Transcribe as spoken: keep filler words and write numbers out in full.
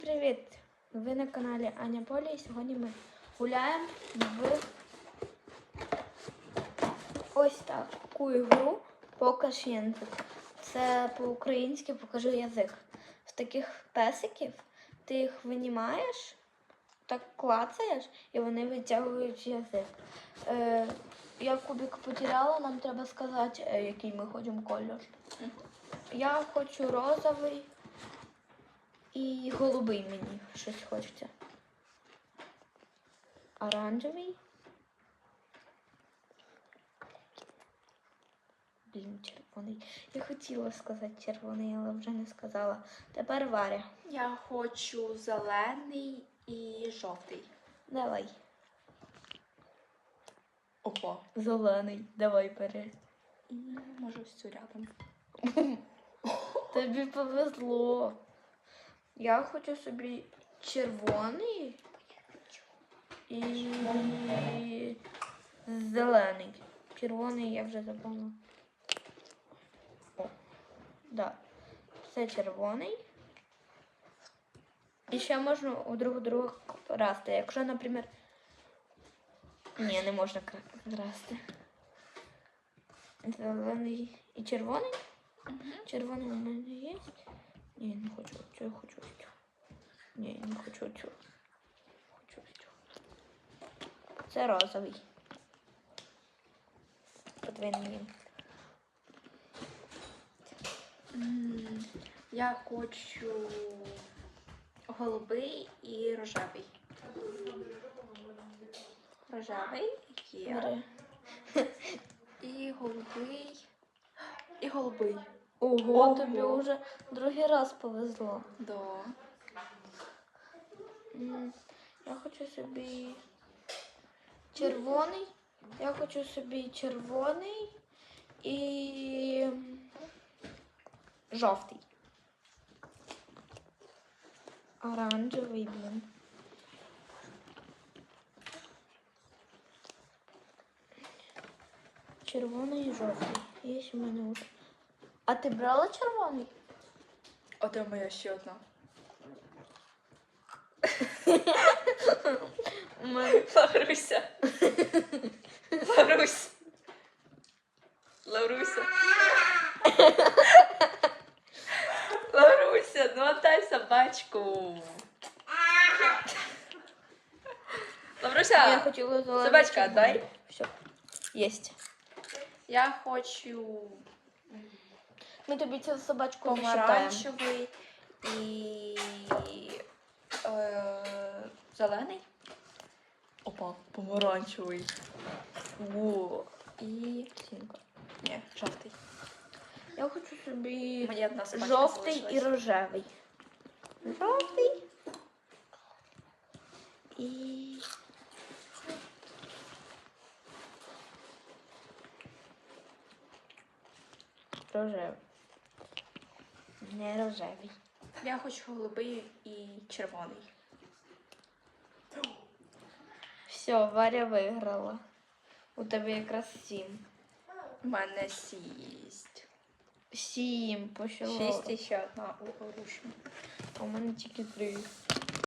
Привіт! Ви на каналі Аня Поля і сьогодні ми гуляємо в ось таку ігру «Покаж язик». Це по-українськи «Покажи язик». З таких песиків ти їх винімаєш, так клацаєш і вони витягують язик. Е, я кубик потеряла, нам треба сказати, який ми хочемо кольор. Я хочу розовий. І голубий мені щось хочеться. Оранжевий. Блін, червоний. Я хотіла сказати червоний, але вже не сказала. Тепер Варя. Я хочу зелений і жовтий. Давай. Опа. Зелений. Давай бери. І може ось цю рядом. Тобі повезло. Я хочу собі червоний і зелений. Червоний я вже забула. О, да. Це червоний. І ще можна у друг друга красти. Якщо, наприклад... Ні, не можна красти. Зелений і червоний. Угу. Червоний у мене є. Ні, я не хочу цю, я хочу цю. Ні, я не хочу цю. Хочу цю. Це розовий. Подвійний. Mm, я хочу голубий і рожевий. Рожевий є. І голубий. І голубий. Ого, Ого. тобі вже другий раз повезло. Да. М, Я хочу собі червоний. Я хочу собі червоний і жовтий. Оранжевий, блін. Червоний і жовтий. Є у мене вже. А ти брала червоний? Оце моя ще одна. У мене... Лавруся. Лаврусь. Лавруся. Лавруся, ну отдай собачку. Лавруся, Я хотіла зелений. собачка, отдай. Все, єсть. Я хочу Ми тобі цю собачку не считаємо. помаранчевий і е, зелений. Опа, помаранчевий. О, і Сінка. ні, жовтий. Я хочу собі Мені одна собачка жовтий і залишилась. рожевий. Жовтий і рожевий. Не рожевий. Я хочу голубий і червоний. Все, Варя виграла. У тебе якраз сім. У мене сість. Сім, почало. Шість і ще одна у Оруші. А у мене тільки три.